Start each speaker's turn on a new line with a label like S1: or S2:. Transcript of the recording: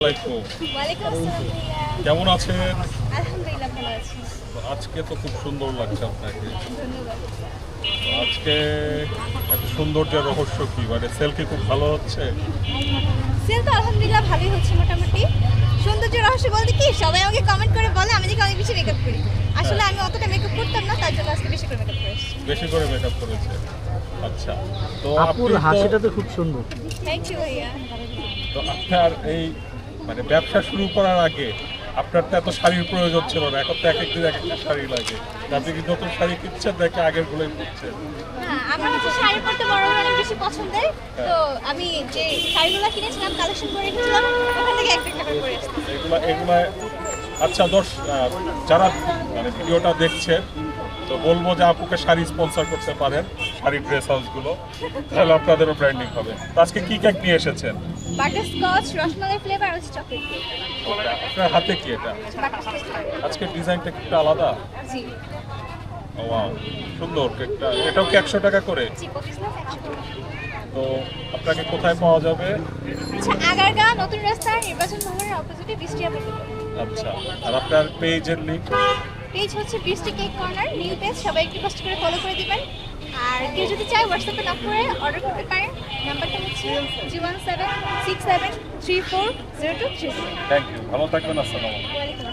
S1: ওয়ালাইকুম আসসালাম ভাইয়া।
S2: কেমন আছেন?
S1: আলহামদুলিল্লাহ ভালো আছি।
S2: আজকে তো খুব সুন্দর লাগছে আপনাকে।
S1: ধন্যবাদ।
S2: আজকে এত সৌন্দর্যের রহস্য কি? মানে সেলফি খুব ভালো হচ্ছে।
S1: সেল তো আলহামদুলিল্লাহ ভালোই হচ্ছে মোটামুটি। সৌন্দর্য রহস্য বলতে কি সবাই আমাকে কমেন্ট করে বলে আমি নাকি অনেক বেশি মেকআপ করি। আসলে আমি অতটা মেকআপ করতাম না, তার জন্য আজকে বেশি করে মেকআপ করেছি।
S2: বেশি করে মেকআপ করেছে। আচ্ছা, তো
S3: আপুর
S2: আপনি
S3: হাসিটা তো খুব সুন্দর।
S1: থ্যাংক ইউ ভাইয়া।
S2: তো আপনার এই মানে ব্যবসা শুরু করার আগে আপনার তো এত শাড়ির প্রয়োজন ছিল না, এখন তো এক একদিন এক একটা শাড়ি লাগে। আপনি কি নতুন শাড়ি কিনছেন নাকি আগের গুলোই কিনছেন?
S1: হ্যাঁ, আমার হচ্ছে শাড়ি পরতে বড় অনেক বেশি পছন্দের। তো আমি যে শাড়িগুলো কিনেছিলাম কালেকশন করে রেখেছিলাম, ওখান থেকে একটা একটা করে পরে আসছি।
S2: এগুলা আচ্ছা যারা মানে ভিডিওটা দেখছেন তো বলবো যে আপুকে শাড়ি স্পন্সর করতে পারেন, শাড়ির ড্রেস হাউসগুলো, তাহলে আপনাদেরও ব্র্যান্ডিং হবে। তো আজকে কি কেক নিয়ে এসেছেন?
S1: বাটারস্কচ, রসমালাই ফ্লেভার আর হচ্ছে চকলেট কেক।
S2: আপনার হাতে কি এটা?
S1: বাটারস্কচ।
S2: আজকে ডিজাইনটা একটু আলাদা।
S1: জি।
S2: ওয়াও, সুন্দর কেকটা। এটাও কি 100 টাকা করে?
S1: জি, 25 না 100 টাকা।
S2: তো আপনাকে কোথায় পাওয়া যাবে?
S1: আচ্ছা, আগারগাঁ নতুন রাস্তা নির্বাচন ভবনের অপোজিটে বৃষ্টি অ্যাপার্টমেন্ট।
S2: আচ্ছা, আর আপনার পেজের লিংক?
S1: পেজ হচ্ছে বৃষ্টি কেক কর্নার, নিউ পেজ, সবাই একটু কষ্ট করে ফলো করে দিবেন। আর কেউ যদি চায় হোয়াটসঅ্যাপে নক করে অর্ডার করতে পারেন। নাম্বারটা হচ্ছে 01767340230।
S2: থ্যাংক ইউ, ভালো থাকবেন। আসসালামু আলাইকুম।
S1: ওয়ালাইকুম